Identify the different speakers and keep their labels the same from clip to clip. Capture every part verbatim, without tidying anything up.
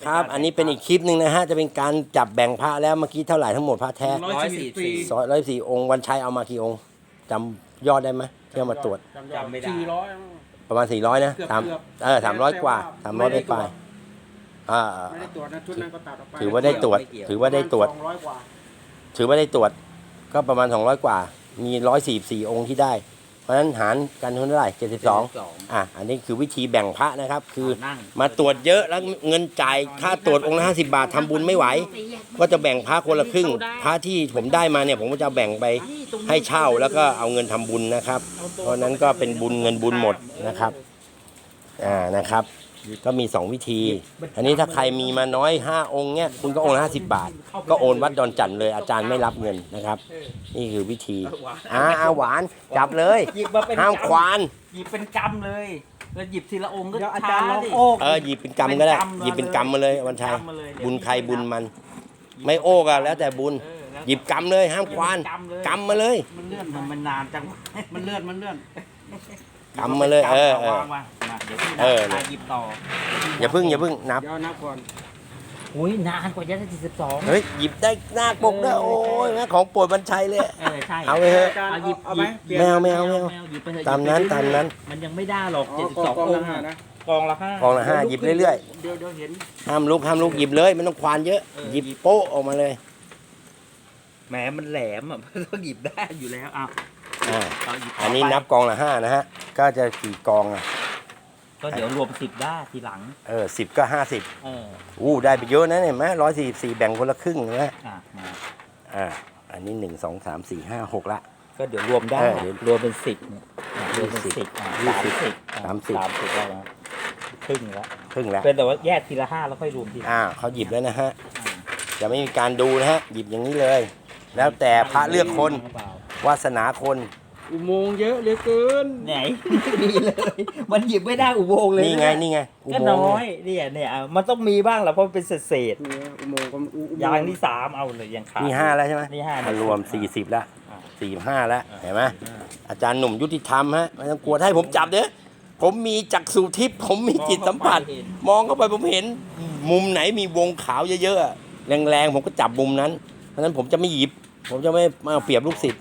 Speaker 1: ครับอันนี้เป็นอีกคลิปหนึ่งนะฮะจะเป็นการจับแบ่งพระแล้วเมื่อกี้เท่าไหร่ทั้งหมดพระแท้
Speaker 2: ร้อยสี่สี่
Speaker 1: สองร้อยสี่องค์วันชัยเอามากี่องค์จำยอดได้ไหมที่เอามาตรวจ
Speaker 2: จำไม่ได้
Speaker 3: สี่ร้อย
Speaker 1: ประมาณสี่ร้อยนะ
Speaker 3: เกือบ
Speaker 1: สาม
Speaker 3: เกือบ
Speaker 1: เออสามร้อยกว่าสามร้อยไปไปอ่า
Speaker 3: ไม่ได้ตรวจนะชุดนั้นก็ตัดออกไป
Speaker 1: ถือว่าได้ตรวจ ถือว่าได้ตรวจ
Speaker 3: สองร้อยกว่า
Speaker 1: ถือว่าได้ตรวจก็ประมาณสองร้อยกว่า มีร้อยสี่สี่องค์ที่ได้ เพราะฉะนั้นหารกันเท่าไหร่เจ็ดสิบสองอ่ะอันนี้คือวิธีแบ่งพระนะครับ คือ
Speaker 2: นั่ง
Speaker 1: มาตรวจเยอะแล้วเงินจ่ายค่าตรวจองค์ละห้าสิบบาททำบุญไม่ไหว ก็จะแบ่งพระคนละครึ่งพระที่ผมได้มาเนี่ยผมก็จะแบ่งไปให้เช่าแล้วก็เอาเงินทำบุญนะครับ เพราะนั้นก็เป็นบุญเงินบุญหมดนะครับอ่านะครับก็มีสองวิธี อันนี้ถ้าใครมีมาน้อยห้าองค์เนี่ยคุณก็องค์ละห้าสิบบาท ก็โอนวัดดอนจันทร์เลยอาจารย์ไม่รับเงินนะครับ นี่คือวิธีอ่าหวานจับเลย
Speaker 2: หยิบมาเป็น
Speaker 1: ห้ามควาน
Speaker 2: หยิบเป็นกำเลยแล้วหยิบทีละองค์ก็
Speaker 3: เดี๋ยวอา
Speaker 2: ช้า
Speaker 3: จารย์ลอง
Speaker 2: ดิ
Speaker 3: โอ้
Speaker 1: เออหยิบเป็นกำก็ได้
Speaker 2: เป็นกำ
Speaker 1: หยิบเป็นกำมาเลยวันชัย
Speaker 2: เป็นกำมาเลยเดี๋ยว
Speaker 1: บุญใครบุญมัน ไม่โอ้ก็แล้วแต่บุญ
Speaker 2: เออแล้ว
Speaker 1: หยิบกำเลยห้ามควาน
Speaker 2: กำเลย
Speaker 1: กำมาเลย
Speaker 3: มันเลื่อน
Speaker 2: มันมันนานจัง
Speaker 3: มันเลื่อนมันเลื่อน
Speaker 1: กำมาเลยเออเออ
Speaker 2: วางมามาเดี๋ยวพี่
Speaker 1: เออ
Speaker 2: นับหยิบต่อ
Speaker 1: อย่าเพึ่งอย่าเพึ่งนับ
Speaker 3: เดี๋ยวนับก่อน
Speaker 2: อุ้ยนานกว่าจะได้สี่สิบสอง
Speaker 1: เฮ้ยหยิบได้หน้าปกด้วยโอ้ยแม่ของโปรดวันชัยเลย
Speaker 2: เออใช่
Speaker 1: เอาไปเถอะ
Speaker 3: อาจารย์
Speaker 2: เอาหยิบ
Speaker 3: เอาไหมเปลี่ยน
Speaker 1: แมวแมวแมว
Speaker 2: หยิบไปเถอะ
Speaker 1: ตามนั้น
Speaker 2: หยิบไป
Speaker 1: ตามนั้น
Speaker 2: มันยังไม่ได้หรอก
Speaker 3: อ๋อ
Speaker 2: เจ็ดสิบ
Speaker 3: กอ
Speaker 2: สอง ง
Speaker 3: กอง
Speaker 2: อง
Speaker 3: ละ
Speaker 2: ค์
Speaker 3: ห้า
Speaker 2: อะ
Speaker 3: นะ
Speaker 2: กองละห้าก
Speaker 1: องละห้าหยิบเรื่อย
Speaker 3: เดี๋ยวเดี๋ยวเห็น
Speaker 1: ๆห้ามลุกห้ามลุกหยิบเลยไม่ต้องควานเยอะ หยิบโป๊ะออกมาเลย
Speaker 2: แหมมันแหลมอ่ะ มันต้องหยิบได้อยู่แล้วอ้าว
Speaker 1: อ่า
Speaker 2: เราหยิบ
Speaker 1: อันนี้
Speaker 2: ไป
Speaker 1: นับกองละห้านะฮะก็จะกี่กองอ่ะ
Speaker 2: ก็เดี๋ยวรวมสิบได้ทีหลัง
Speaker 1: เออสิบก็ห้าสิบ
Speaker 2: เออ
Speaker 1: อู้ได้ไปเยอะนะเนี่ยไหมร้อยสี่สิบสี่แบ่งคนละครึ่งนะ
Speaker 2: อ่ะมา
Speaker 1: อ่าอันนี้หนึ่งสองสามสี่ห้าหกละ
Speaker 2: ก็เดี๋ยวรวมได้
Speaker 1: เออเดี๋ยว
Speaker 2: รวมเป็นสิบเนี่ยอ่ะรวมเป็นสิบอ่ะ
Speaker 1: ยี่
Speaker 2: สาม
Speaker 1: สิบ
Speaker 2: สิบอ่ะ
Speaker 1: สามสิบ
Speaker 2: สามสิบแล้วนะครึ่งแล้ว
Speaker 1: ครึ่งแล้ว
Speaker 2: เป็นแต่ว่าแยกทีละห้าแล้วค่อยรวมทีละ
Speaker 1: อ่าเขาหยิบแล้วนะฮะ
Speaker 2: อ่ะ
Speaker 1: จะไม่มีการดูนะฮะหยิบอย่างนี้เลย แล้วแต่พระเลือกคน
Speaker 2: หรือเปล่าว
Speaker 1: าสนาคน
Speaker 3: อุโมงค์เยอะเหลือเกิน
Speaker 2: ไหนไม่มีเลย มันหยิบไม่ได้อุโมงค์เลย
Speaker 1: นี่ไงนี่ไงอุ
Speaker 2: ก็
Speaker 1: โมง
Speaker 2: น้
Speaker 1: ค์
Speaker 2: อยเนี่ยเนี่ยอ่ะมันต้องมีบ้างแหละเพราะมันเป็นเศษเศษ
Speaker 3: เนี่ยอุโมงค์ก็อุอุโม
Speaker 2: ๆอย่าง
Speaker 3: ค์
Speaker 2: ที่สามเอาเลยยังขาด
Speaker 1: นี่ห้าแล้วใช่ไหม
Speaker 2: นี่ห้า
Speaker 1: อ่ะรวมสี่สิบแล้ว
Speaker 2: อ่ะ
Speaker 1: สี่ห้าแล้ว
Speaker 2: อ่ะ
Speaker 1: เห็นไหมอาจารย์หนุ่มยุติธรรมฮะไม่ต้องกลัวถ้าให้ผมจับเด้อผมมีจักษุทิพย์ผมมีจิตสัมผัส มองเข้าไปผมเห็น มุมไหนมีวงขาวเยอะๆอะแรงๆผมก็จับมุมนั้น เพราะฉะนั้นผมจะไม่หยิบ ผมจะไม่มาเอาเปรียบลูกศิษย์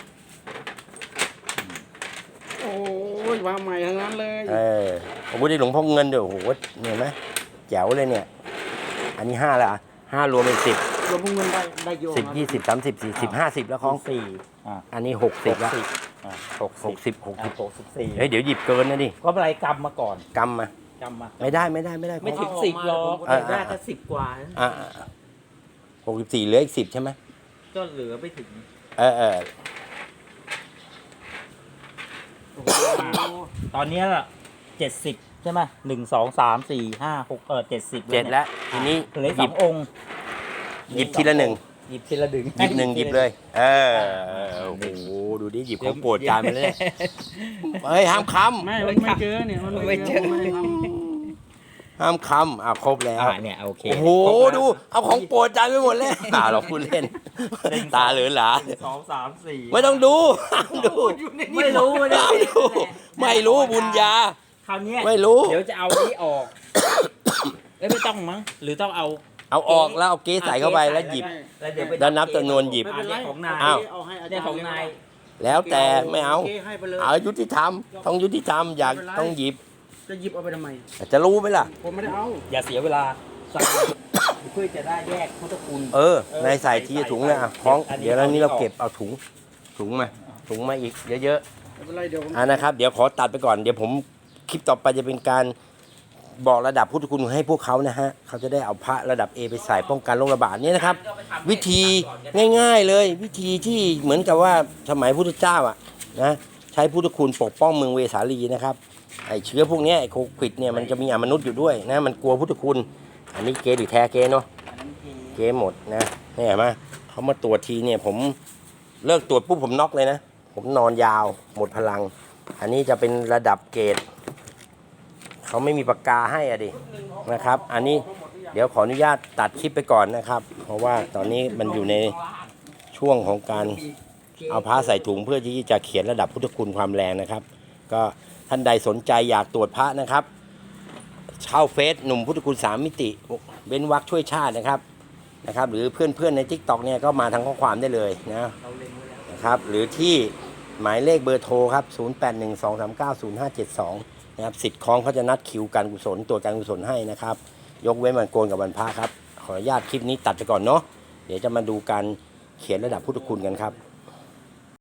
Speaker 3: โอ้ยวางใหม่ทั้งนั้นเลย
Speaker 1: เออผมได้หลวงพ่อเงินเดี๋ยวโอ้โหเห็นไหมแจ๋วเลยเนี่ย อันนี้ห้าแล้วอ่ะห้ารวมเป็นสิบ
Speaker 3: รวมพวกเงินได้ได้โยง
Speaker 1: สิบยี่สิบสามสิบสี่สิบห้าสิบแล้วของ
Speaker 2: สี่อ่ะ
Speaker 1: อันนี้หกสิบแล้ว
Speaker 2: อ่ะหก
Speaker 1: หกสิบหกสิบ
Speaker 2: หกสิบสี่
Speaker 1: เฮ้ยเดี๋ยวหยิบเกินนะดิ
Speaker 2: ก็เป็นไรกำมาก่อน
Speaker 1: กำมา
Speaker 2: กำมา
Speaker 1: ไม่ได้ไม่ได้ไม่ได้
Speaker 2: ไม่ถึงสิบหรอก
Speaker 1: อ่ะ
Speaker 2: ได้
Speaker 1: อ่ะ
Speaker 2: แค่สิบกว่า
Speaker 1: อ่าหกสิบสี่เหลืออีกสิบใช่ไหม
Speaker 2: ก็เหลือไม่ถึง
Speaker 1: เออเออ
Speaker 3: โอ้โห
Speaker 2: ตอนเนี้เจ็ดสิบใช่ไหมหนึ่งสองสามสี่ห้าหกเออเจ็ดสิบ
Speaker 1: เจ็ดแล้วทีนี้
Speaker 2: เหลือ
Speaker 1: ห
Speaker 2: ส
Speaker 1: ยิ
Speaker 2: อบ งองค์
Speaker 1: หยิบทีละหนึ่ง
Speaker 2: หยิบทีละหนึ่ง
Speaker 1: หยิบหนึ่งหยิบเลย เออโอ้โหดูดิหยิบของโปรดจานไปเลยเนี่ยเฮ้ยห้ามค
Speaker 3: ไม่มันไม่เจอเนี่ยมัน
Speaker 2: ไม่เจอ
Speaker 3: ไม่ได้ท
Speaker 1: ำห้ามคำอ่ะครบแล้ว
Speaker 2: อ่าเนี่ยโอเค
Speaker 1: โอ้โหดูเอาของโปรดจานไปหมดเลยตาเราพูดเล่น ตาเหลือหลา
Speaker 2: หนึ่งสองสามสี่
Speaker 1: ไม่ต้องดูห้ามดู
Speaker 2: ไม่รู้ไม่ได้
Speaker 1: ห้ามดูไม่รู้บุญญา
Speaker 2: คราวเนี้ย
Speaker 1: ไม่รู้
Speaker 2: เดี๋ยวจะเอานี้ออกเอ้ยไม่ต้องมั้งหรือต้องเอา
Speaker 1: เอาออกแล้วเอาเก๊ใส่เข้าไปแล้วหยิบ
Speaker 2: แล้วเดี๋ยวไป
Speaker 1: แล้วนับจำนวนหยิบ
Speaker 3: ำไม่เป็นไร
Speaker 2: ของนาย
Speaker 1: อ้าว
Speaker 3: เอาให้อาจารย์
Speaker 2: เนี่ยของนาย
Speaker 1: แล้วแต่ไม่เอา
Speaker 3: โคให้ไปเลย
Speaker 1: เอายุติธรรมต้องยุติธรรมอยากต้องหยิบ
Speaker 3: จะหยิบเอาไปทำไม
Speaker 1: จะรู้ไหมล่ะ
Speaker 3: ผมไม่ได้เอา
Speaker 2: อย่าเสียเวลาใส่เพื่อจะได้แยกพุทธคุณ
Speaker 1: เออในใส่ทีถุงเลยอ่ะคล้อง
Speaker 2: อันนี้
Speaker 1: เดี๋ยวแล้วนี้เรา
Speaker 2: เอา
Speaker 1: เก็บเอาถุงถุงมาถุงมาอีกเยอะ
Speaker 3: ไม่เป็นไรเดี๋ยวผม
Speaker 1: ๆอ่านะครับเดี๋ยวขอตัดไปก่อนเดี๋ยวผมคลิปต่อไปจะเป็นการบอกระดับพุทธคุณให้พวกเขานะฮะเขาจะได้เอาพระระดับ A ไปใส่ป้องกันโรคระบาดเนี่ยนะครับ วิธีง่ายๆเลย วิธีที่เหมือนกับว่าสมัยพุทธเจ้าอ่ะนะใช้พุทธคุณปกป้องเมืองเวสาลีนะครับไอเชื้อพวกเนี้ยไอโควิดเนี่ยมันจะมีอมนุษย์อยู่ด้วยนะมันกลัวพุทธคุณอันนี้เกหรือแท้เกเนาะเกหมดนะนี่เห็นไหมเขามาตรวจทีเนี่ยผมเลิกตรวจปุ๊บผมน็อกเลยนะผมนอนยาวหมดพลัง อันนี้จะเป็นระดับเกรดเขาไม่มีปากกาให้อะดินะครับ อันนี้เดี๋ยวขออนุญาตตัดคลิปไปก่อนนะครับ เพราะว่าตอนนี้มันอยู่ในช่วงของการเอาผ้าใส่ถุงเพื่อที่จะเขียนระดับพุทธคุณความแรงนะครับ ก็ท่านใดสนใจอยากตรวจพระนะครับเช่าเฟซหนุ่มพุทธคุณสามมิติเบ้นวักช่วยชาตินะครับนะครับ หรือเพื่อนๆใน ทิกต็อก เนี่ยก็มาทางข้อความได้เลยนะนะครับหรือที่หมายเลขเบอร์โทรครับศูนย์ แปด หนึ่ง สอง สาม เก้า ศูนย์ ห้า เจ็ด สองนะครับสิทธิ์คล้องเขาจะนัดคิวการกุศลตรวจการกุศลให้นะครับยกเว้นวันโกนกับวันพระครับขออนุญาตคลิปนี้ตัดไปก่อนเนาะเดี๋ยวจะมาดูการเขียนระดับพุทธคุณกันครับ